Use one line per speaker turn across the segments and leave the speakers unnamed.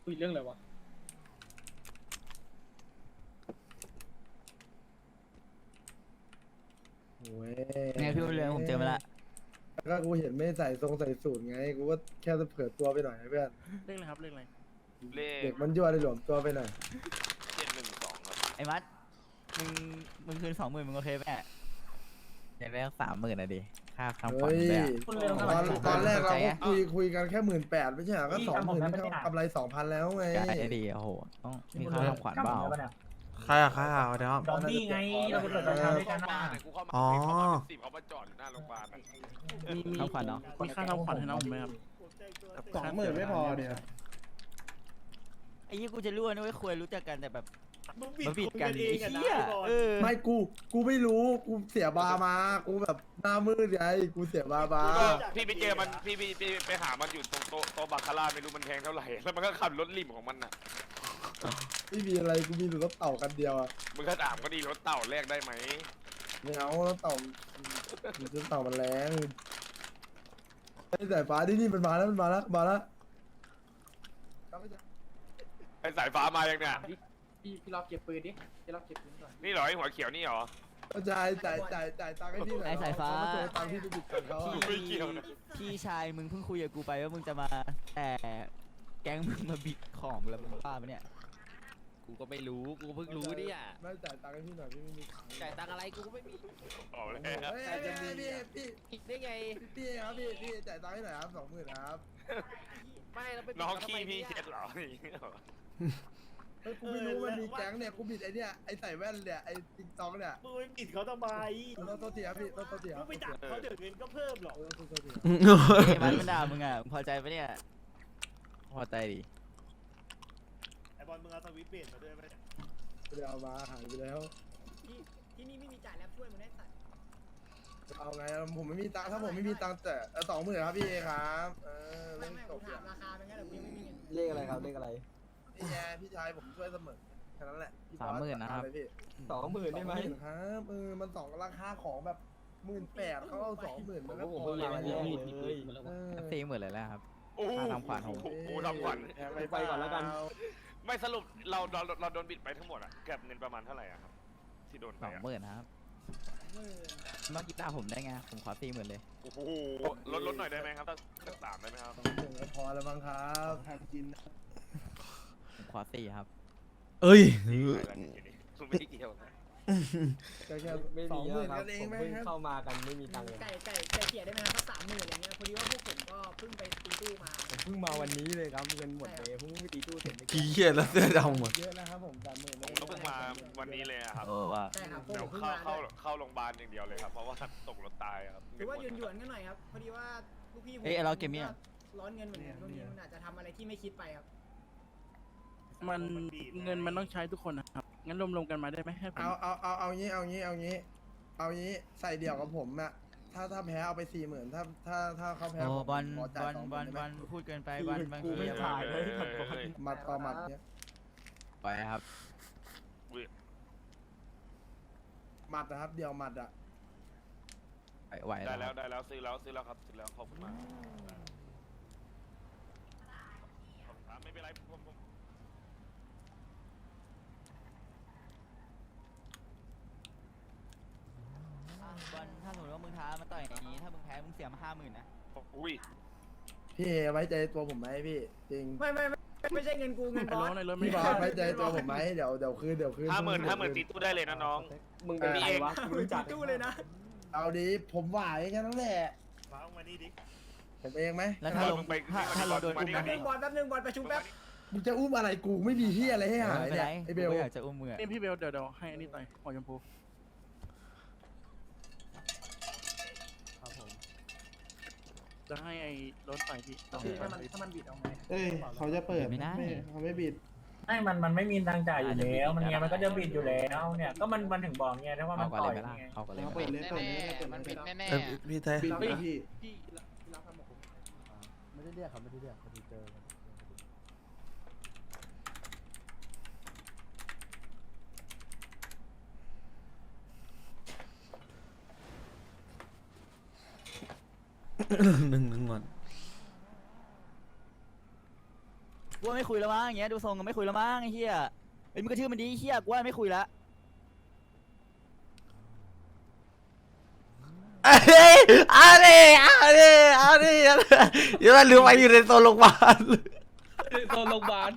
คุยเรื่องอะไรวะ
โอ้ย
ไงพี่บุญเรืองผมเจอมาละ
แล้วก็กูเห็นไม่ใส่ทรงใส่สูทไงกูก็แค่จะเผื่อตัวไปหน่อยนะเพื่อน
เรื่องอะไรครับเรื่องอะไร
เล
เด็
ข
กมันยั่วได้หลวมตัวไปหน่อย
712ครับ
ไอ้มัดมึงคืน20,000มึงโอเคไหมอยากได้30,000นะดิค่าทำขวัญ
เฮ้ย
เลยอะ
ตอนแรกเรา
เข้าใจ
ก็
อะ
คุยกันแค่18,000ไม่ใช่เหรอก็20,000นี่กำไร2,000แล้วไง
ได้ดีโอ้โหต้องมีค่าทำขวัญเปล่า
ใครอะใครอะเดี๋ยวครับ
ดอมบี้ไงเราไปเปิดราคาด้วยกัน
เข้า
นะ
มาเนี่ยกูเข้ามา
อ๋อ
10เขามาจอดอยู่หน้าโรงพยาบาลอะ
ทำขวัญเนาะ
มีค่าทำขวัญให้น้องผมไหมครับ
20,000ไม่พอเดียว
ไอ้ยี่กูจะรู้นะเว้ยควรรู้จักกันแต่แบบ
มึง
มาบิดกันไอ้เหี้ย
ไม่กูไม่รู้กูเสียบามากูแบบหน้ามืดไงกูเสียบามา
พี่ไปเจอมันพี่ไปหามันอยู่ตรงโต๊ะบาคาร่าไม่รู้มันแพงเท่าไหร่แล้วมันก็ขับรถริมของมันน่ะ
ไม่มีอะไรกูมีรถเต่ากันเดียวอะ
มึงก็ถามก็ดีรถเต่าแลกได้ไหม
ไม่เอารถเต่ารถเต่ามันแรงไอ้สายฟ้านี่มันมาแล้วมันมาแล้วมาแล้ว
ไอสายฟ้ามายังเนี่ย
พี่รอบเก็บปืนดิพี่รอบเก็บปืนก่อน
นี่เหรอไอหัวเขียวนี่เหรอ
จ่ายตังค์ให้พี่หน่อย
ไอ้สายฟ้า
เขมาโจรตังค์พี่ไปบิดตังค์เขาอะ
ไม่เกี่ยวนะ
พี่ชายมึงเพิ่งคุยกับกูไปว่ามึงจะมาแต่แก๊งมึงมาบิดของแล้วมึงบ้าปะเนี่ย
กูก็ไม่รู้ กูเพิ่งรู้เนี่ย
ไม่จ่ายตังค์ให้พี่หน่อยพี่ไม่มีตังค์
จ่ายตังค์อะไรกูก็ไม่มี
บอกเลย
เฮ้ยพี่
ได้ไง
ครับพี่จ่ายตังค์ให้หน่อยครับ20,000ครับ
ไม่เราไป
น้อง
ทำ
ขี้
ไม
พี่
เนี่ย
เช็ดเหรออย่างเงี้ยเหรอ
เฮ้ยกูไม่รู้มันมีแก๊งเนี่ยกูบิดไอเนี่ยไอใส่แว่นเนี่ยไอติ๊กต็อกเนี่ย
มึงไปปิดเขาทำไม
ต้องตัวเสียพี่ต้องตัวเสีย
มึงไปดักเขาเดี๋ยวเงินก็เพิ่มหรอก
ต้องตัวเสีย
ไอ้มัดมันด่ามึงอ่ะมึงพอใจปะเนี่ยพอใจดิ
ไอบอลมึงเอาสวิตช์เปลี่ยนมาด้วยไหม
ไม่ได้เอามาหายไปแล้ว
ที่นี่ไม่มีจ่ายแล้วช่วยมึงได้สัตว์
เอาไงผมไม่มีตังค์ถ้าผมไม่มีตังค์แต่20,000ครับพี่ครับเล่นจบ
ถามราคาเป็นไงแต่กูยังไม่มีเงิน
เลขอะไรครับเลขอะไรนี่ไงพี่ชายผมช่วยเสมอแค่นั้นแหละพี่
30,000นะครับ
พี่
20,000ได้ไหม
ครับมัน2ราคาของแบบ18,000เขาเอา20,000มันก็พอ
ผมเพิ่ง
แล้ว
มาวันนี้
40,000เลยแล้วครับ
โอ้โห
ค่าทำขวัญผม
โอ้โหทำขวัญ
ไปก่อนแล้วกัน
ไม่สรุปเราโดนบิดไปทั้งหมดอะเก็บเงินประมาณเท่าไหร่อะครับที่โดนไปอะ
20,000นะครับมากีตาร์ผมได้ไงผมขอ40,000เลย
โอ้โหลดหน่อยได้ไหมครับสัก3ได้ไหมครับ
20,000ก็พอแล้วมั้งครับทำกิน
ผมขอ4ครับ
เอ้ย
คุณไม่ได้เกี่ยวนะ
ก็แค่
ไม่มีแล้วครับ
20,000กันเอง
ผม
ไหม
เพิ่ง
ครับ
เข้ามากันไม่มีตังค์เลย
ไก่เกลี่ยได้ไหมครับสัก30,000อย่างเงี้ยพอดีว่าพวกผมก็เพิ่งไปตีตู้มา
ผมเพิ่งมาวันนี้เลยครับเงินหมดเลยเพิ่งไปตีตู้เสร็จเมื่อ
กี่
กี้
เหี้ยแล้วเสื้อดำหมด
เยอะนะครับผม30,000
ผมก็เพิ่งมาวันนี้เลยอะครับ
เออว่า
ใช่ครับพวก
เดี๋
ผ
ยว
มเพิ่ง
เข้า
มา
เข้าโรงพยาบาลอย่างเดียวเลยครับเพราะว่าตกรถตายครับ
ถือว่าหยวนๆกันหน่อยครับพอดีว่าลูกพี่ผม
เอ้ยเราเกมเนี่ย
ร้อนเงินเหมือนกันช่วงนี้มันอาจจะทำอะไรที่ไม่คิดไปครับ
มันเงินมันต้องใช้ทุกคนนะครับ งั้นรวมๆกันมาได้ไหมให้ผม
เอางี้ใส่เดี่ยวกับผมอะถ้าแพ้เอาไป40,000ถ้าเขาแพ้
โอ้
ผม
บอล
ข
บ
จ่า
อย ล
20,000
บอล
ได้
บ
ไหม
อลพูดเกินไปบอลบาง
กู
ที
ไม่ถ่ายเลย
หมัดต่อหมัดเนี่ย
ไปครับ
หมัดนะครับเดี่ยวหมัดอะ
ไหว
ได้
แล้
แล้ว
ว
ได้แล้วซื้อแล้วครับซื้อแล้วขอบคุณมากไม่เป็นไรผม
บอลถ้าสมมติว่ามึงท้ามาต่อยอย่างนี้ถ้ามึงแพ้มึงเสียมา50,000นะ
อุ้ย
พี่ไว้ใจตัวผมไหมพี่จริง
ไม่ใช่เงินกูเงิน
ไอ้
บอ
น้อ
ส
งในรถไม่
พี่บอ
ได้
สไว้ใจตัวผมไหมเดี๋ยวคืน
50,000ตีตู้ได้เลยนะน้อง
มึงเป็นใครวะกูรู้จัก
ตู้เลยนะ
เอาดีผมไหวแค่นั้นแหละ
มาเอามานี่ดิ
ผมเองไหม
แล้วถ้าลงถ้าเราโดนอุ้ม
มา
นะ
ดิ
บอลแป๊บนึงบอลประชุมแป๊บ
มึงจะอุ้มอะไรกูไม่มีที่อะไรให้หาย
ไม่เป็น
เนี่
ไร
ยไอเบล
กูก็อยากจะอุ้มมือ
นี่พี่เบลเดี๋ยวให้อันนี้ต่อยหัวชมพู
ครับผม
จะให้ไอ้รถต่อยพี่ต้อง
ถ้ามันบิดเอาไง
เอ้ยเขาจะเปิด
ไม่ได้
เขาไม่บิด
มันไม่มีตังค์จ่ายอยู่แล้วมันก็จะบิดอยู่แล้วเนี่ยก็มันถึงบอกเนี่ยถ้าว่ามั
เอา
น
ก่อน
ต่
เล
อย ย
ไหมล่ะ
ไง
เอาก่อนเลย
เปิดเลย
แน่ๆมันผิดแน่
พี่ไทย
บิดพี่
พี่รับทำกับผม
ไม่ได้เรียกเขาไม่ได้เรียกเขาเจอ
หนึ่งก่อน
กูว่าไม่คุยแล้วมั้งอย่างเงี้ยดูทรงก็ไม่คุยแล้วมั้งไอ้เหี้ยไอ้มึงก็ชื่อมันดีไอ้เหี้ยกูว่าไม่คุยละ
เอ้ยอะไรอย่ามาลืมไปอยู่ในโซนโรงพยาบาล
ตอนโรงพยาบาล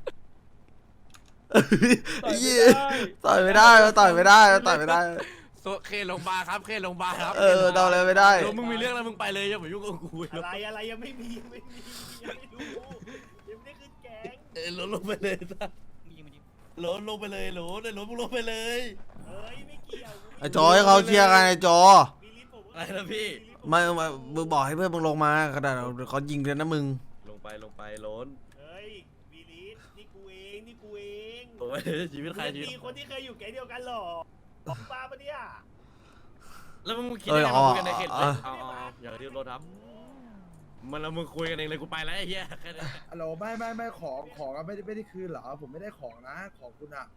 เหี้ยต่อยไม่ได้ต่อยไม่ได้ต่อยไม่ได้
เคโรงพยาบาลครับเคโรงพยาบาลครับ
เออทำอะไรไม่ได้
แล้วมึงมีเรื่องแล้วมึงไปเลยอย่ามายุ่งกับกู
อะไรยังไม่มียังไม่รู้ยังไม่ได้ขึ้นแก๊ง
ลงไปเลยซะ
มึงยิงมันดิ
ลงไปเลยในรถมึงลงไปเลย
เฮ้ยไม่เกี่ยว
ไอ้จอให้เขาเคลียร์กันไอ้จอ
มีลิ้นผม
อะไรนะพี่
มึงบอกให้เพื่อนมึงลงมาขนาดเขายิงเลยนะมึง
ลงไปล้น
เฮ้ยมีลิ้นนี่กูเอง
โอ้ยชีวิตใครชีวิต
มีคนที่เคยอยู่แก๊งเดียวกันหรอบ้าปะเนี่ย
แล้วมึงคิดยังไงมาคุยกันในเขต
เออ
เอาอย่างที่รถครับมันแล้วมึงคุยกันเองเลยกูไปแล้วไอ้เหี้ยแค่นั้น
ฮัลโหลไม่ของอะไม่ได้คืนเหรอผมไม่ได้ของนะของคุณอะ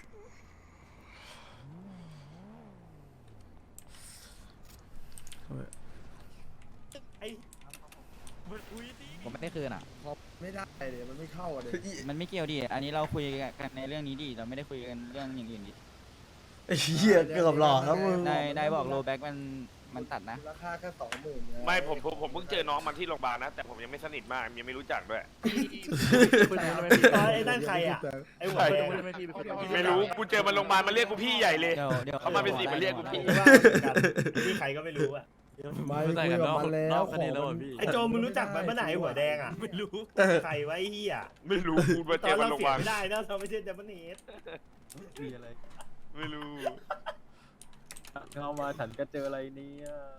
ไอ้
ผมไม่ได้คืนอ่ะ
พอไม่ได้เลยมันไม่เข้าอะเลย
มันไม่เกี่ยวดิอันนี้เราคุยกันในเรื่องนี้ดิเราไม่ได้คุยกันเรื่องอย่างอื่นดิ
ไอ้เหี้ยเกือบหลอกแล้วมึง
ได้บอกโลแบ็กมันตัดนะ
ราคาแค่20,000
ไม่ผมเพิ่งเจอน้องมันที่โรงพยาบาลนะแต่ผมยังไม่สนิทมากยังไม่รู้จักด้วย
ไอ้นั่นใครอ่ะไอ้หัวแดง
ไม่รู้กูเจอมันโรงพยาบาลมันเรียกกูพี่ใหญ่เลย
เดี๋ยว
เขามาเป็นสิบมันเรียกกูพี่
นี่ใครก็ไม่รู้อ่ะ
ไม่คุยกับมันแล้วของมัน
ไอ้โจมึงรู้จักมันเมื่อไหร่หัวแดงอ่ะ
ไม่รู้
ใครไว้เฮีย
ไม่รู้กูมา
ต
เจ
อ
อน มัน
เรา
โรงพ
เสี
ยาย บาล
ไม่ได้นะเราไม่ใช่เดมอนเนส
มีอะไร
ไม่รู้
เข้ามาฉันก็เจออะไรเนี่ย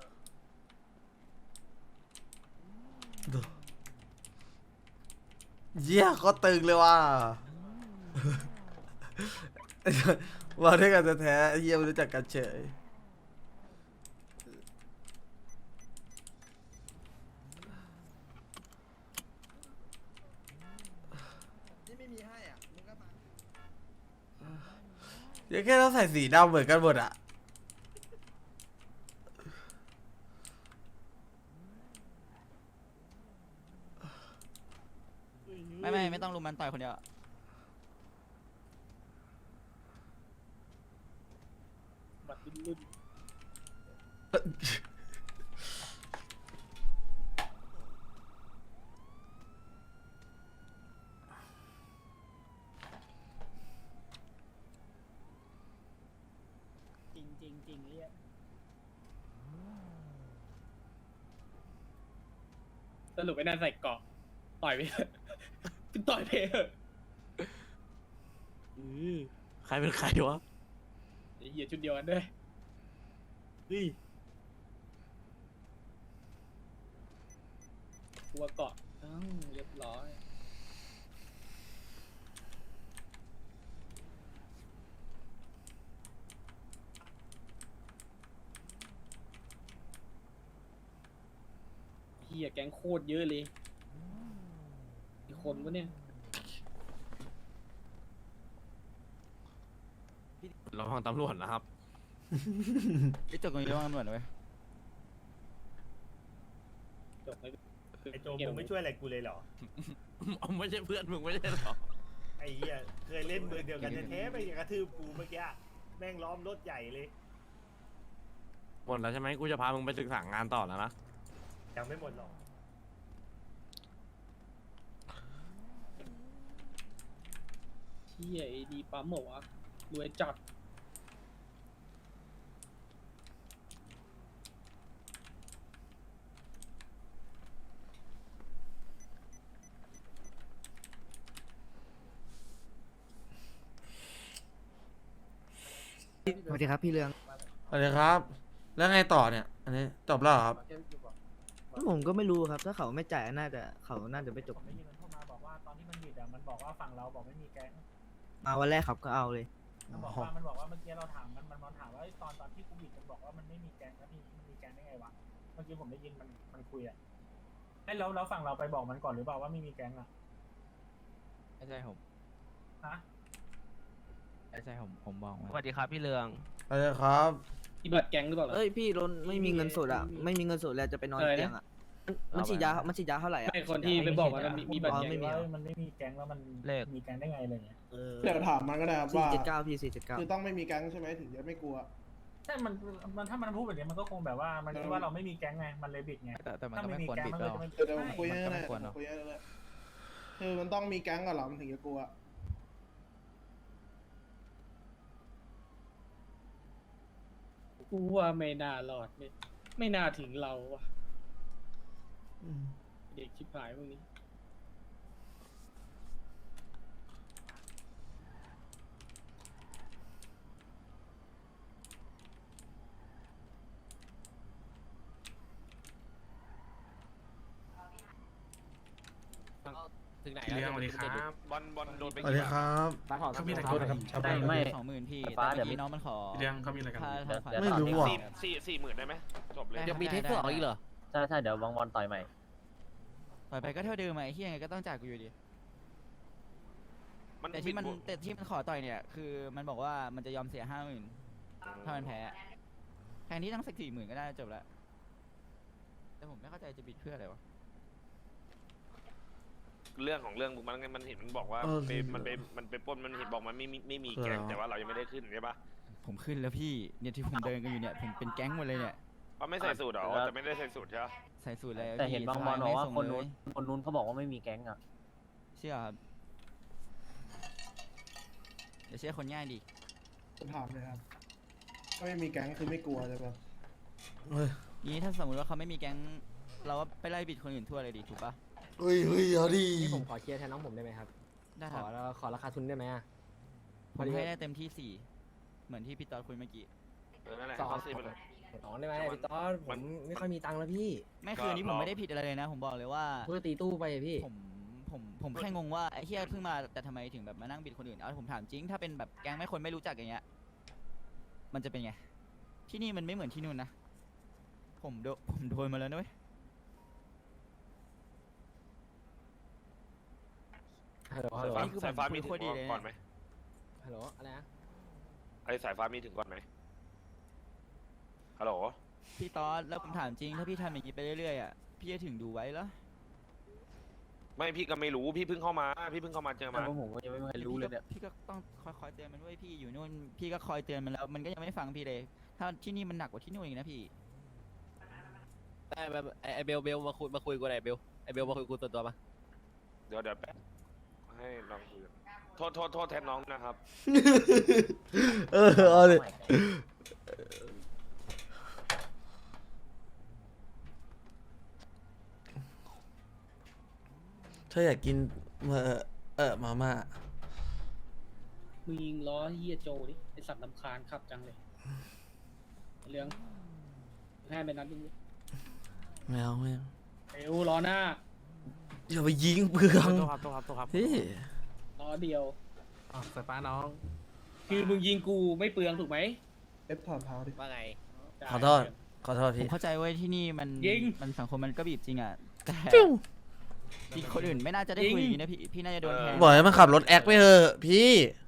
เหี้ยก็ตึงเลยว่ะมาด้วยกันแท้ๆเหี้ยไม่รู้จักกันเฉย
นี่ไม่มีให้อ่ะมึงก็มา
เดี๋ยวแค่ต้องใส่สีดำเหมือนกันหมดอ่ะ
ไม่ต้องลุมมันต่อยคนเดียว
บัตรรุ่นจริงเนี่ยสรุปไอ้นั่นใส่เกาะต่อยไปต่อยไปเถอะ
ใครเป็นใครวะ
ไอ้เหี้ยชุดเดียวกันด้วยกลัวเกาะเรียบร้อยเหี้ยแก๊งโคตรเยอะเลยมีคนวะเนี่ย
เราฟังตำรวจนะครับ
ไอ้จบตรงนี้ต้องตำรวจนะเว้ย
จบไอ้โจมึงไม่ช่วยอะไรกูเลยเหรอ
ไม่ใช่เพื่อนมึงไม่ใช่หรอ
ไอ้เหี้ยเคยเล่นมือเดียวกันแท้ๆไปกระทืบกูเมื่อกี้แม่งล้อมรถใหญ่เลย
หมดแล้วใช่ไหมกูจะพามึงไปศึกษางานต่อแล้วนะ
ยังไม่หมดหรอกเหี้ยไอ้ดีปั๊มเหรอวะรวยจัด
สวัสดีครับพี่เรือง
สวัสดีครับ แล้วไงต่อเนี่ย อันนี้จบแล้วเหรอครับ
ผมก็ไม่รู้ครับ ถ้าเขาไม่จ่ายเขาน่าจะไม่จบ
ได้ยินมันเข้ามาบอกว่าตอนที่มันบิดอ่ะมันบอกว่าฝั่งเราบอกไม่มีแก๊ง
มาวันแรกครับก็เอาเลย
มันบอกว่าเมื่อกี้เราถามมันถามว่าตอนที่กูบิดมันบอกว่ามันไม่มีแก๊งแล้วทีนี้มันมีแก๊งได้ไงวะเมื่อกี้ผมได้ยินมันคุยอ่ะไอ้แล้วฝั่งเราไปบอกมันก่อนหรือเปล่าว่าไม่มีแก๊งอ่ะ
ไม่ใช่ผม
ฮะ
ไม่ใช่ผมบอกมัน
สวัสดีครับพี่เรือง
สวัสดีครับ
อีบัตรแก๊งหรือเปล่า
เอ้ยพี่รถไม่มีเงินสดอ่ะ ไม่มีเงินสดแล้วจะไปนอนเตียงอ่ะมันฉีดยาเท่าไหร่อ่ะ
ไอคนที่ไปบอกว่ามันมีบัตร
อ๋อ
แก๊ง
ไม่มี
ว่ามันไม่มีแก๊งแล้วมันมีแก๊งได้ไงอะไรเงี้ย
เดี๋ยวถามมันก็ได้ครับ
สี่
ว่า
เจ็ดเก้าพี่479
คือต้องไม่มีแก๊งใช่ไหมถึงจะไม่กลัว
ใช่มันถ้ามันพูดแบบนี้มันก็คงแบบว่ามันคิดว่าเราไม่มีแก๊งไงมันเลยบิดไง
แต่มัน
ถ้า
ก็
ไม่
ไม่
มี
ควร
แก๊ง
บิด
มัน
เรา
ก็จะไม่
เดี๋ยวผมคุยให้
มันก็
ได้
ไม่ควรเนอะ
คุยให้ได้คือมันต้องมีแก๊งก่อนเหรอมันถึงจะกลัว
กูว่าไม่น่ารอดไม่น่าถึงเราว่ะเด็กชิบหายพวกนี้
ถึงไหนแล้วสวัสดีครับ
บอลโดนไป
สวัสดีครับ
เขามีอะไรกันนะครับชาวบ้าน
ไม่20,000พี่แต่เมื่อกี้น้องมันขอ
เรื่องเขามีอะไรกัน
ค่าทางฝ่าย
ไม่รู้ว่ะ
สี่หมื่นได้ไหมจบเลย
ยังมีเทสสองอีกเหรอ
ใช่เดี๋ยวบางวันต่อยใหม่
ต่อยไปก็เท่าเดิมไอ้ที่ยังไงก็ต้องจ่ายกูอยู่ดีแต่ที่มันขอต่อยเนี่ยคือมันบอกว่ามันจะยอมเสีย50,000ถ้ามันแพ้แทนที่ตั้งสัก40,000ก็ได้จบแล้วแต่ผมไม่เข้าใจจะบิดเพื่ออะไรวะ
เรื่องของเรื่องมันเห็นมันบอกว่ามันไปปล้นมันเห็นบอกมันไม่มีแก๊งแต่ว่าเรายังไม่ได้ขึ้นใช่ปะ
ผมขึ้นแล้วพี่เนี่ยที่ผมเดินกันอยู่เนี่ยผมเป็นแก๊งหมดเลยเนี่ย
เขาไม่ใส่สูตรหรอแต่ไม่ได้ใส่สูตรใช่ปะ
ใส่สูตรเลย
แต่เห็นบางบอลบอกว่าคนนู้น
น
คนนู้นเขาบอกว่าไม่มีแก๊งอ่ะ
เชื่อครับเดี๋ยวเชื่อคนง่ายดิ
ถามเลยครับถ้าไม่มีแก๊งคือไม่กลัวใช่ปะ
เฮ้ย
นี้ถ้าสมมติว่าเขาไม่มีแก๊งเราก็ไปไล่บิดคนอื่นทั่วเลยดิถูกปะ
เฮ้ยเอาดิ
นี่ผมขอเคลียร์แทนน้องผมได้ไหมครับ
ได้ครับ
ขอราคาทุนได้ไหมอ่ะ
ผมให้ได้เต็มที่4เหมือนที่พี่ตอดคุยเมื่อกี้
นั่นแหละเขาซีไปเลย
2ได้ไหมพี่ต๊อดผมไม่ค่อยมีตังค์แล้วพี่
ไม่คืนนี้ผมไม่ได้ผิดอะไรเลยนะ ผมบอกเลยว่า
เพื่อตีตู้ไปพี่
ผมแค่งงว่าไอ้เฮียเพิ่งมาแต่ทำไมถึงแบบมานั่งบิดคนอื่นเอาผมถามจริงถ้าเป็นแบบแก๊งไม่คนไม่รู้จักอย่างเงี้ยมันจะเป็นไงที่นี่มันไม่เหมือนที่นู่นนะผมโดนมาแล้วนะเว้ย
ฮัลโหลฮัลโหล
สายฟ้ามีถึงก่อนไหม
ฮัลโหลอะไรนะ
ไอ้สายฟ้ามีถึงก่อนไหมฮัลโหล
พี่ตอดแล้วผมถามจริงถ้าพี่ทำอย่างนี้ไปเรื่อยๆอ่ะพี่จะถึงดูไว้เหรอ
ไม่พี่ก็ไม่รู้พี่เพิ่งเข้ามาเจอมา
ผมก็ยังไม่เคยรู้เลยเนี่ย
พี่ก็ต้องคอยเตือนมันด้วยพี่อยู่นู่นพี่ก็คอยเตือนมันแล้วมันก็ยังไม่ฟังพี่เลยถ้าที่นี่มันหนักกว่าที่นู่นอีกนะพี่
ได้แบบไอเบลมาคุยกูหน่อยเบลมาคุยกูตัวมา
เดี๋ยวแป๊บให้น้องคุยโทษแทนน้องนะครับ
เอาดิถ้าอยากกินมาม่า
มึงยิงล้อเฮียโจดิไอสัตว์ลำคาญขับจังเลยเรื่องให้ไปนัดนึง
ไม่เอา
เอวล้อหน้า
อย่าไปยิงเปลือง
ตัวครับ
พี่
ล้อเดียว
สายฟ้าน้อง
คือมึงยิงกูไม่เปลืองถูกไหม
เอฟถอดเท้าดิ
ว่าไง
ขอโทษ
ผม
พี่
เข้าใจเว้ยที่นี่มัน
ยิง
มันสังคมมันก็บีบจริงอ่ะแต่
ฟิว
ที่คนอื่นไม่น่าจะได้คุยอย่างนี้นะพี่น่าจะโดนแทง
บอกให้มันขับรถแอคไปเถอะพี่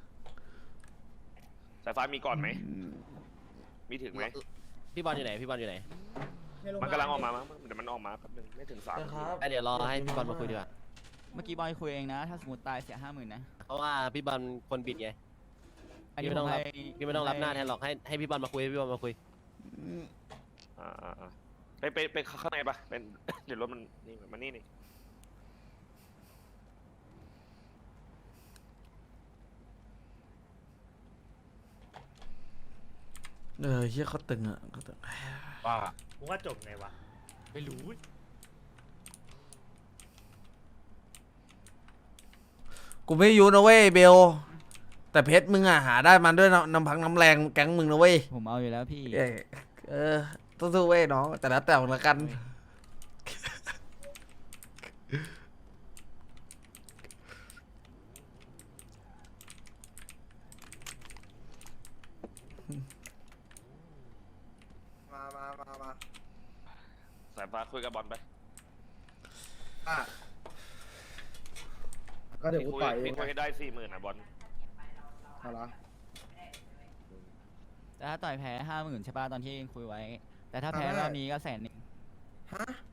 สายฟ้ามีก่อนไหมมีถึงไหม
พี่บอลอยู่ไหนไหน
มันกำลังออกมามั้งเดี๋ยวมันออกมาแป๊บนึงไม่ถึง3
เดี๋ยวรอให้พี่บอลมาคุยดีกว่า
เมื่อกี้บอยคุยเองนะ ถ้าสมมติตายเสีย50,000นะ
เพราะว่าพี่บอลคนบิดไง
อันนี้
พี่ไม่ต้องรับ
ให้
พี่ไม่ต้องรับหน้าแทนหรอกให้พี่บอลมาคุย
ไปข้างในปะเป็น เดี๋ยวรถมันนี่มันนี่
เฮียเขาตึงอ่ะเขาตึง
ว่า
มึงว่าจบไงวะ
ไม่รู้
กูไม่ยูนะเว้ยเบล แต่เพชรมึงอ่ะหาได้มันด้วยน้ำพักน้ำแรงแก๊งมึงนะเว้ย
ผมเอาอยู่แล้วพี่
สู้ๆเว้ยน้องแต่ละแต่ละกัน
มา
สายฟ้าคุยกับบอลไป
ก็เดี๋ยวกูต่อยเอง
คุยให้ได้40,000นะบอล
เอาละ
แต่ถ้าต่อยแพ้50,000ใช่ป่ะตอนที่คุยไว้ แต่ถ้าแพ้รอบนี้ก็100,000
ฮะ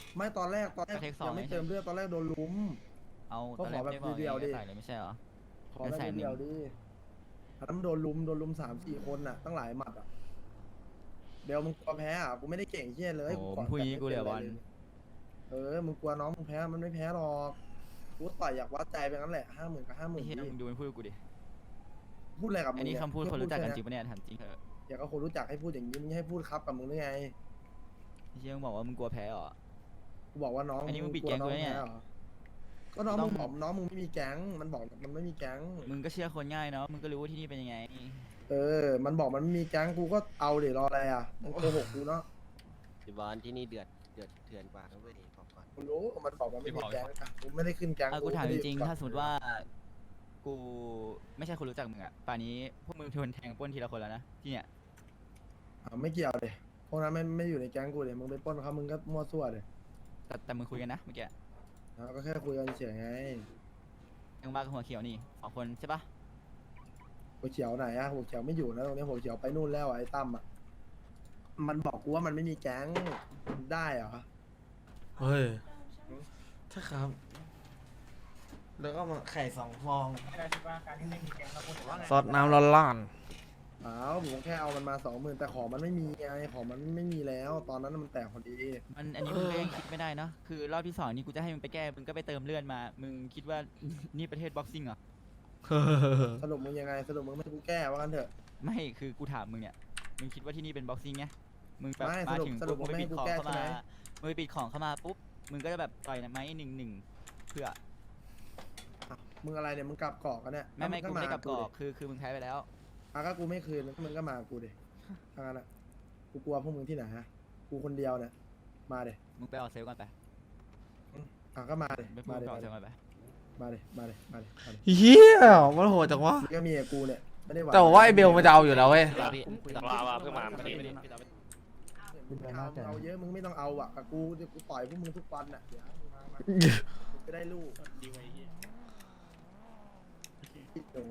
ไม่ตอนแรกยังไม่เติมเลือดตอนแรกโดนลุม
เอา
ก็
ตอนแรก
ขอแบบ
ไม่บอก
เดียวๆดิ
ใส่เลยไม่ใช่เหรอ
ขอได้เดียวดิอันนั้นโดนลุม3-4 คนน่ะตั้งหลายหมัดอ่ะเบลมึงกลัวแพ้อ่ะกูไม่ได้เก่งเชี่ยเลย
โอ้
ก่อน
พูดอย่างนี้กูเลยบอล
มึงกลัวน้องมึงแพ้มันไม่แพ้หรอกกูต่อยอยากวัดใจไปงั้นแหละ50,000 กับ
ไอ้
50,000
เหี้ยมึงดูมันพูดกับกูดิ
พูดอะไรกับมึ
อั
ง
นนี้
เย
คำพูดคนรู้จักกันจริง
แค่
ปะเนี่ยถามจริงเถอะ
อยากก็คนรู้จักให้พูดอย่างนี้มึงให้พูดครับกับมึงได้ไง
ไอ้เหี้ยมึงบอกว่ามึงกลัวแพ้เหรอ
กูบอกว่าน้อง
อันนี้มึงปิด
ลัว
แก๊ง
น้อง
กูเนี่ย
แพ้เหรอก็น้อง
ต้
มึ
อง
งบอกน้องมึงไม่มีแก๊งมันบอกมันไม่มีแก๊ง
มึงก็เชื่อคนง่ายเนาะมึงก็รู้ว่าที่นี่เป็นยังไง
มันบอกมันไม่มีแก๊งกูก็เอาเดี๋ยวรออะไรอ่ะมันโกหกกูเนาะ
พี่บอลที่นี่เดือดเถื่อนกว่านะเว้ยบอกก่อน
กูรู้มันบอกมันไม่มีแก๊งอ่ะกูไม่ได้ขึ้นแก๊ง
กูถามจริง
ไได้
ๆถ้าสมมติว่า กูไม่ใช่คนรู้จักมึงอะป่านนี้พวกมึงโดนแทงปล้นทีละคนแล้วนะที่เนี่ย
ไม่เกี่ยวเลยพวกนั้นไม่อยู่ในแก๊งกูเลยมึงไปปล้นเขามึงก็มั่วซั่วเลย
แต่มึงคุยกันนะเมื่อกี้
ก็แค่คุยกันเฉยไง
ยังบ้ากับหัวเขียวนี่2 คนใช่ปะ
หัวเขียวไหนอะหัวเขียวไม่อยู่นะตรงนี้หัวเขียวไปนู่นแล้วอะไอ้ตั้มอะมันบอกกูว่ามันไม่มีแก๊งได้เหรอ
เฮ้ยถ้าครับ แล้วก็มาไข่2 ฟอง
ไม่ได้คิดว่าการที่ไม่มีแก๊งแล้วพูดถึงว่าไง
ซอสน้ำร้อน
ผมแค่เอามันมา20,000แต่ของมันไม่มีไงของมันไม่มีแล้ว ตอนนั้นมันแตกพอดี
อันนี้มึงก็ยังคิดไม่ได้เนอะคือรอบที่2นี่กูจะให้มึงไปแก้มึงก็ไปเติมเลือดมา มึงคิดว่า นี่ประเทศบ็อกซิ่งเหรอ
ๆ
สรุปมึงยังไงสรุปมึงไม่ให้กูแก้ว่ากันเถอะ
ไม่คือกูถามมึงเนี่ยมึงคิดว่าที่นี่เป็นบ็อกซิ่งไงมึงแบบ
ไม่
มาถึง
สรุป
ปุ๊บมึงไป
ไม่ให้
ปิด
กู
ของ
แก้
เข้า
ใช่
มา
ไหม
มึงไปปิดของเข้ามาปุ๊บมึงก็จะแบบต่อยนะไหม1-1เพื่อ
มึงอะไรเนี่ยมึงกลับเกาะกันเนี่ย
ไม่กูไม่ได้กลับกรอก
ดิ
คือมึงแพ้ไปแล้ว
ก็กูไม่คืนมึงก็มากูดิทางนั้นอะกูกลัวพวกมึงที่ไหนฮะกูคนเดียวเนี่ยมาดิ
มึงไปออกเซลลก่อนไป
ก็มาดิ
ไปพูด
มาดิ
ไปออกเซลลก่อนไป
มาดิมาดิมาดิมาดิ
เฮียมันโหดจังวะ
ก็มีไอ้กูเนี่ยไม่ได้หวัง
แต่ว่าไอเบลมันจะเอาอยู่แล้วเว้ย
ว่าเพิ่งมาเมื่อกี้
มึงเอาเยอะมึงไม่ต้องเอาอ่ะกับกูเดี๋ยวกูต่อยพวกมึงทุกวันอ่ะเดี๋ยวมึงมาจะได้ลูก
ดีไว้เหี้ย
ติดหนู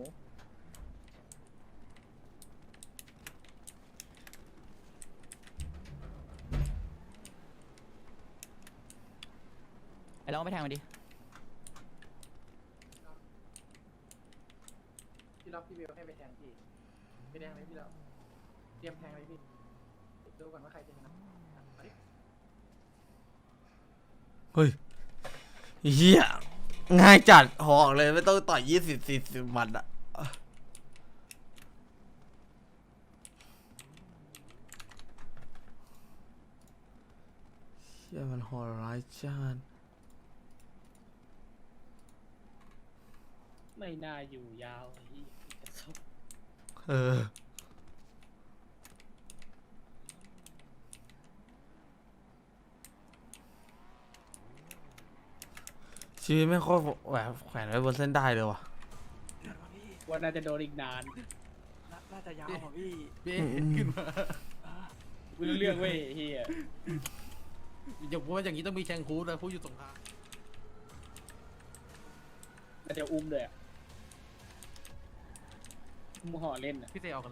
ไอ้เราไม่แทงมันดิ
พี่ล็อกพี่เบลให้ไปแทงพี่ไปแทงเลยพี่ล็อกเตรียมแทงเลยพี่ดูก่อนว่าใครจะชนะ
เฮ้ยเฮียง่ายจัดหอกเลยไม่ต้องต่อย20-40 หมัดอะเฮียมันโหดร้ายจัด
ไม่น่าอยู่ยาวไอ้เหี้ย
เออชีวิตไม่ค่อยแบบแขวนไว้บนเส้นได้เลยว่ะ
ว่าน่าจะโดนอีกนาน
น่าจะยาวกว่าพี่
ขึ้นมาไม่รู้เรื่องเว้ยเฮีย
อย่าพูดว่าอย่างนี้ต้องมีแชงคูดเลยพูดอยู่ตรงกลาง
น่าจะอุ้มเลยอ่ะอุ้มห่อเล่นอ่ะ
พี่เตออกกันเลย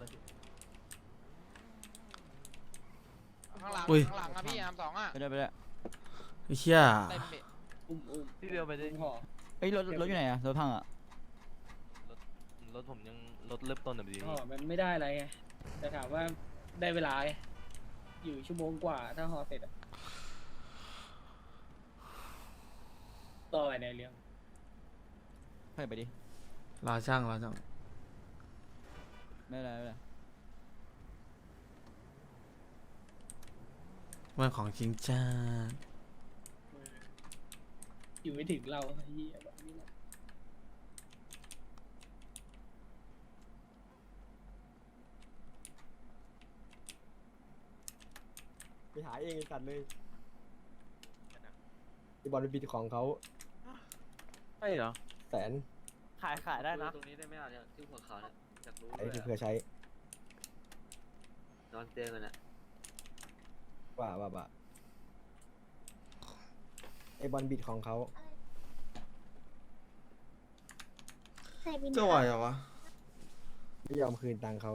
ข้างหลัง
อุ้ย
ข้างหลังอะพี่2อะ
ไปด้วยไปด้วย
ไอ้เชี่ย
เต็มพี่
อุ้ม
พี่เบลไปดิ
อุ้มห่อ
เอ้ยรถอยู่ไหนอะรถพังอะ
รถผมยังรถเริ่มต้นแบบนี้
ห่อมันไม่ได้อะไรไงแต่ถามว่าได้เวลาไงอยู่ชั่วโมงกว่าถ้าห่อเสร็จอะต่อไปในเรื่อง
ไปดิ
ลาช่าง
ไม่เป็นไรไม่เป็นไร
มันของจริงจ้า
อยู่ไม่ถึงเราไอ้เหี้ยแบบนี้แหละ
ไปหาเองไอ้สัตว์เลยไอบอลไปบิดของเขา
ใช่เหรอ
100,000
ขายได้นะ
ตรงนี้ได้ไหมอ่ะเนี่ยที่หัวเขาเนี่ยอยากรู้
ไอ้ที่เพื่อใช้
นอนเตียงกันอ่ะ
ว่าไอบอลบิดของเขา
จะไหวเหรอวะ
ไม่ยอมคืนตังค์เขา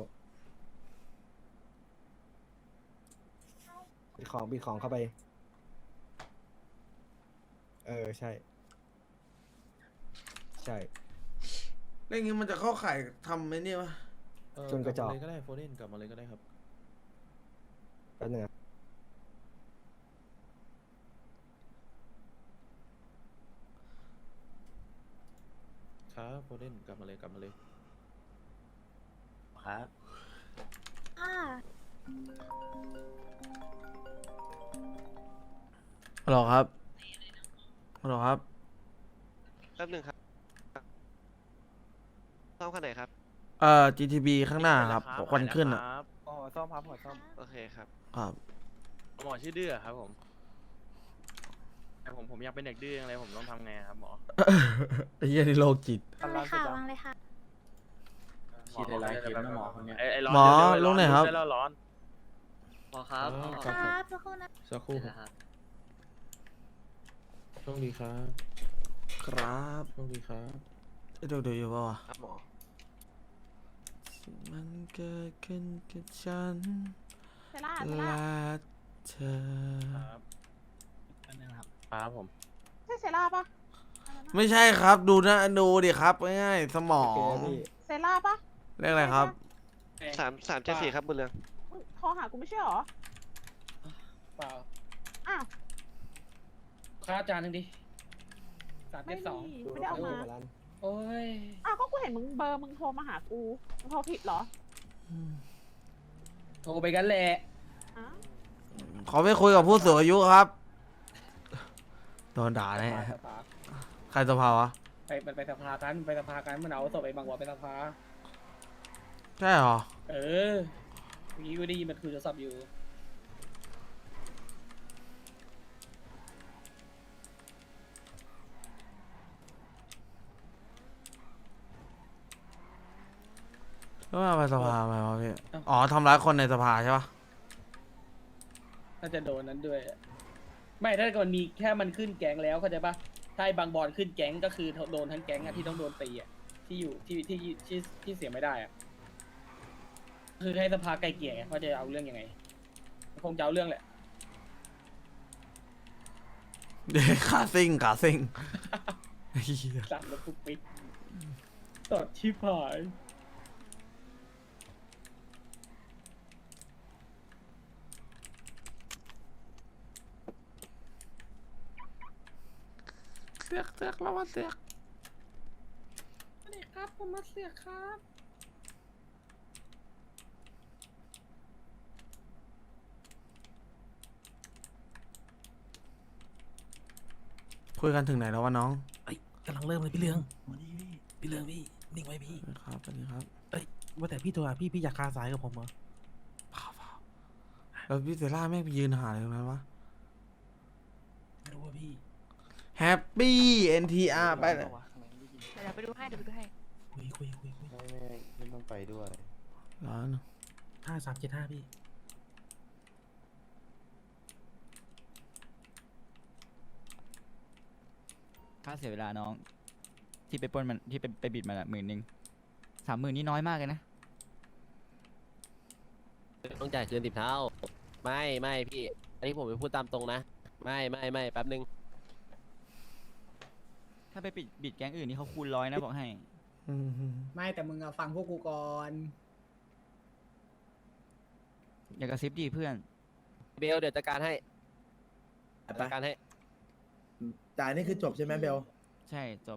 บิดของเข้าไปใช่ ใช่
แล้วอย่างงี้มันจะเข้าข่ายทำไหมเนี่ยวะ
จนกระจอก
เลยก็ได้โฟเดนกลับมาเลยก็ได้ครับ
แป๊บนึง
ครับโฟเดนกลับมาเลยกลับมาเลย
ครับ
ฮัลโหลครับฮัลโหลครับ
แป๊บหนึ่งครับซ่อมคันไหนครับ
GTB ข้างหน้าครับควันขึ้นอ่ะ
อ๋อซ่อมครับหัวซ่อม
โอเคครับ
ครับ
หมอชื่อดื้อครับผมแต่ผมอยากเป็นเด็กดื้อยังไงผมต้องทำไงครับหมอ
ไอ้เหี้ยนี่โรคจิต
วางเลยค่ะวางเลยค่ะ
ฉีดอะไรเข็มนะหมอคนเนี้ยไอ้ร้อน
หมอ
เดี๋ยว
ลงไหนครับ
ได้แล้วร้อน
พอครับ
ครับทุกคนนะ
สักครู่ครับโชคดีครับ
ครับ
โชคดีครับ
เดี๋ยวอยู่ป่าวะ
ครับหมอ
มันเกิดขึ้นกับฉัน
เซล่า
และเธอ
ครับผม
ใช่เซล่าปะ
ไม่ใช่ครับดูนะดูดิครับง่ายๆสมอง
เซล่าปะ
เรียกอะไรครับ
374ครับบุญเรือง
โทรหากูไม่ใช่หรอ
เปล่า
อ้าว
ค่าจานหนึ่งดิ372
ไม่ได้เอามา
โอ้ย
อ้าวก็กูเห็นมึงเบอร์มึงโทรมาหากูมึงโทรผิดเหรอ
โทรไปกันแหละ
อ้าว
ขอไปคุยกับผู้สูงอายุครับโดนด่าแน่
สภา
ใครสภาวะ
ไปสภากันไปสภากันมันเอาศพไปบางวัวไปสภา
ใช่เหรอ
เออเมื่อกี้กูได้ยินมันคุยโทรศัพท์อยู่
แล้วมาไปสภาไหมวะพี่อ๋อทำร้ายคนในสภาใช่ปะ
น่าจะโดนนั้นด้วย ไม่ถ้าเกิดมันมีแค่มันขึ้นแก๊งแล้วเข้าใจปะถ้าไอ้บางบอลขึ้นแก๊งก็คือโดนทั้งแก๊งอะที่ต้องโดนตีอะที่อยู่ที่เสียไม่ได้อะคือให้สภาไกลเกลี่ยไงว่าจะเอาเรื่องยังไงคงจะเอาเรื่องแหละ
เด็กขาซิ่งขาซิ่งเหี้ย
สั่งแล้วปุ๊บปิ๊กตดชิบหาย
เสือกแล้วมาเสือก
สวัสดีครับผมมาเสียครับ
คุยกันถึงไหนแล้ววะน้อง
กำลังเริ่มเลยพี่เรืองวันนี้พี่เรืองพี่นิ่งไว้พี่
ครับสวัสดีครับ
ว่าแต่พี่ตัวพี่อยากคาสายกับผมเหรอ
เปล่าแล้วพี่เซล่าแม่งไปยืนหาอะไรตรงนั้นวะ
ไม่รู้ว่าพี่
แฮปปี้ NTR ไปเลย
เดี๋ยวไปดูให้เดี๋ยวไปดูให้
คุย
ไม่ต้องไปด้วย
ร้อน
5375พี่
ค่าเสียเวลาน้อง ที่ไปปล้นมันที่ไปบิดมันอะ10,000 30,000นี่น้อยมากเลยนะ
ต้องจ่ายคืน10 เท่า ไม่พี่ อันนี้ผมไปพูดตามตรงนะ ไม่แป๊บนึง
ถ้าไปบิดแก๊งอื่นนี่เขาคูณ100นะบอกให้
ไม่แต่มึงฟังพวกกูก่อน
อย่ากระซิบดิเพื่อน
เบลเดี๋ยวจัดการให้จัดการให้
จ่ายนี่คือจบใช่ไหมเบล
ใช่จบ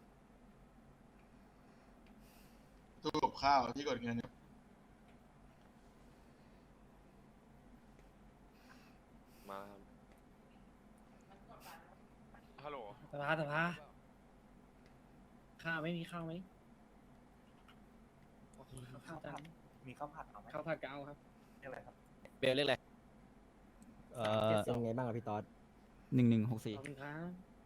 ตู้กับข้าวที่กดเงิน
มาฮัลโหล
สภาข้าวไม่มีข้าวไหมข้าวจาน
มีข้าวผัดเอาไหม
ข้าวผัดกะเอาครับ
เรียกอะไรครับ
เบลเรียกอะไร
เป็นไงบ้างอะพี่ต๊อด
1164
ขอบคุณครับ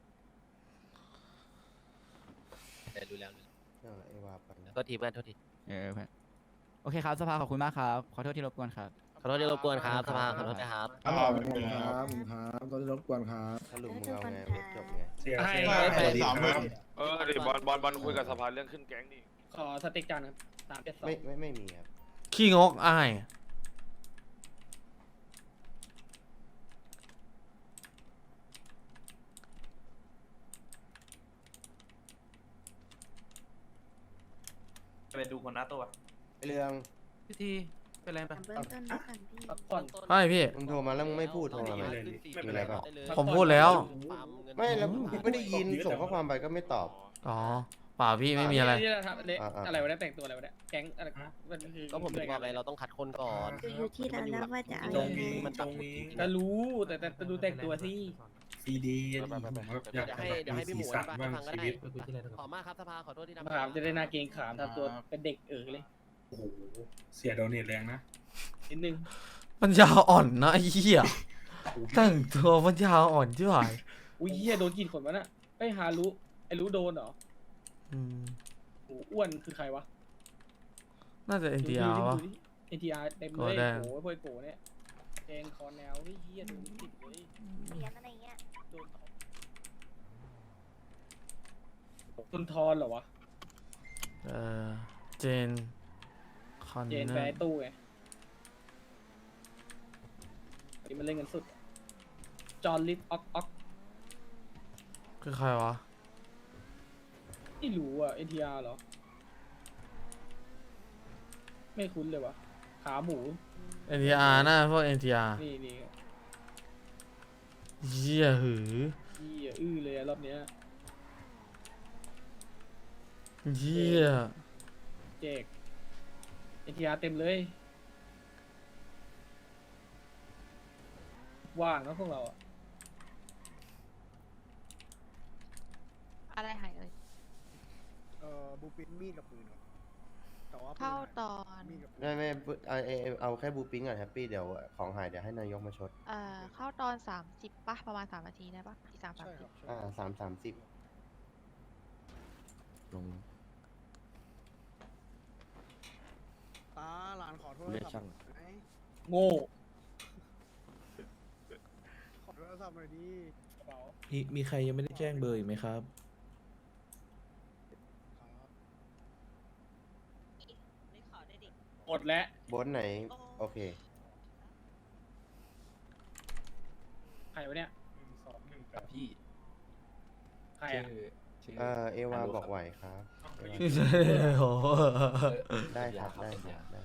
ดูแล้วโทษทีเพื่อนโทษที
เพื่อนโอเคครับสภาขอบคุณมากครับ ขอโทษที่รบกวนครับ
ขอโทษที่รบกวนครับสภาขอโทษนะครับ
ขอบคุณครับก็ได้รบกวนครับ
สรุปมึงเอาไงจบไง
ให้
ดิบอลคุยกับสภาเรื่องขึ้นแก๊งนี่
ขอสเต็กจานครับ372
ไม่มีครับ
ขี้งกอ้าย
ไปดูคนหน้าตัว
เรื่อง
พี่ทีเป็นไรปะ
พักผ่อน
ใช่พี่
มึงโทรมาแล้วมึงไม่พูดโทรมาไหมมีอะไรเปล่า
ผมพูดแล้ว
ไม่แล้วกูไม่ได้ยินส่งข้อความไปก็ไม่ตอบ
อ๋อเปล่าพี่ไม่มีอะไร
ที่เราทำอะไรวะเนี่ยแต่งตัวอะไรวะเนี่ยแก๊งอะไรมันคือ
ก็ผมถึงบอกไงเราต้องคัดคนก่อน
อยู่ที่ร้านแล้วว่าจะเอา
ตรงนี้
มัน
ต
ตั
ร
ด
งนี้
ก็รู้แต่ดูแต่งตัวสิ
ซีดี
เดี๋ยวให้พี่หมูอธิบายให้ฟังก็ได้ขอมากครับสภาขอโทษที่ทำ
ถามจะได้หนาเกรงขามทำตัวเป็นเด็กเลย
โอ้โหเสียโดเนทแรงนะ
นิดนึง
ปัญญาอ่อนนะไอ้เหี้ยแต่งตัวปัญญาอ่อนที่ไหน
อุ้ยเฮียโดนกี่คนวะน่ะไอ้ฮารุไอ้รู้โดนเหรอ
อืม
โอ้อ้วนคือใครวะ
น่าจะ NTR วะ
เอ็นทีอาร์เต็มเลยโอ้ยพวยโกเนี่ยแกงคอแนวเฮียโดนติดเลย
เสียอะไรเงี้ย
โดนทอนเหรอวะ
เจนคอน
เจน
เนอ
แปร
ร์
ตู้ไงนี่มันเล่นกันสุดจอห์นลิฟออก
คือใครวะ
ไม่รู้อ่ะ NTR เหรอ ไม่คุ้นเลยวะขาหมู
NTR น่าพวก NTR
นี่
เหี้ยหือ
ยี่เลยอะรอบเนี้ย
เหี้ย
เจก NTR เต็มเลย ว่างนะพวกเราอะ
อะไรหายเลย
บูปินมีดกับปืนครับแต่ว่า
เข้าตอน
ไม่เอาแค่บูปิ้งก่อนแฮปปี้เดี๋ยวของหายเดี๋ยวให้นายกมาชด
เข้าตอน30ป่ะประมาณ3 นาทีได้ป่ะที่30
30ลง
ตาหลานขอโทษ
เรียกช่าง
โง่
ขอโทรศัพท์หน่อยดิ
มีใครยังไม่ได้แจ้งเบอร์อีกไหมครับ
หมดแล้ว
บนไหน โอเค
ใครวะเนี่ย
กับพี่
ใครอะ
เอวาบอกไหวครับเอวา
โอ้โห
ได้ครับได้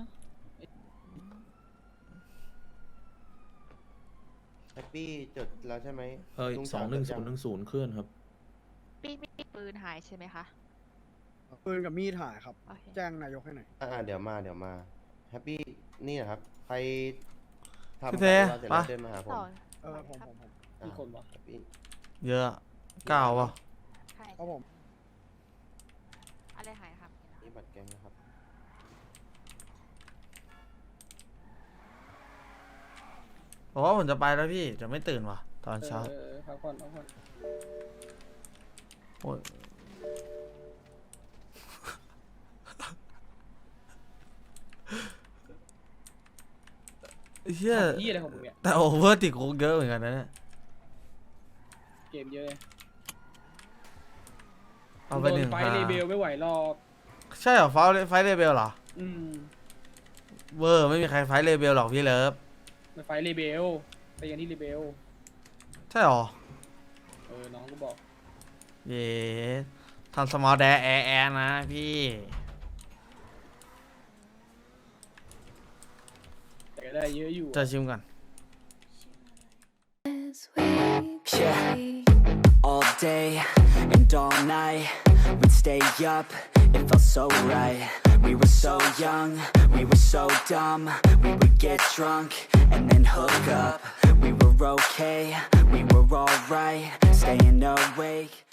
แฮปปี้จดแล้วใช่ไหมลุงสาวจดยัง
2110เคลื่อนครับ
ปีมีปืนหายใช่ไหมคะ
ปืนกับมีดหายครับ
โอเค
แจ้งนายกให้หน่อย
เดี๋ยวมาแฮปปี้นี่นะครับ ใครทำ
พี่
เส
เท
ร็จ
ปะ
แล้วเดินมาหาผม
ผม
กี่คนวะ
แฮปปี้
เยอะ9วะ
ใช่
ครับผม
อะไรหายครับ
นี่บัตรแกงนะครับ
บอกว่าผมจะไปแล้วพี่จะไม่ตื่นว่ะตอนเช้า
พักผ่อน
โอ้ยเหี้ย
ยี่อะไรของมึงเนี่ย
แต่โอเวอร์ติดคุกเยอะเหมือนกันนะเนี่ย
เกมเยอะ
เอาไปหนึ่ง
ไฟ
ค่ะ
เรเบลไม่ไหวหรอก
ใช่เหรอไฟเรเบลเหรอ เวอร์ไม่มีใครไฟเรเบลหรอกพี่เลิฟ
มันไฟเรเบลไปอย่างที่เรเบล
ใช่เหรอ
น้องก็บอก
เย้ทำสมอลแดร์แอร์นะพี่
แต่ก็ได้เยอะอยู่
จะชิมก่อน
Yeah, all day and all night we'd stay up, it felt so right. We were so young, we were so dumb. We would get drunk and then hook up. We were okay, we were alright, staying awake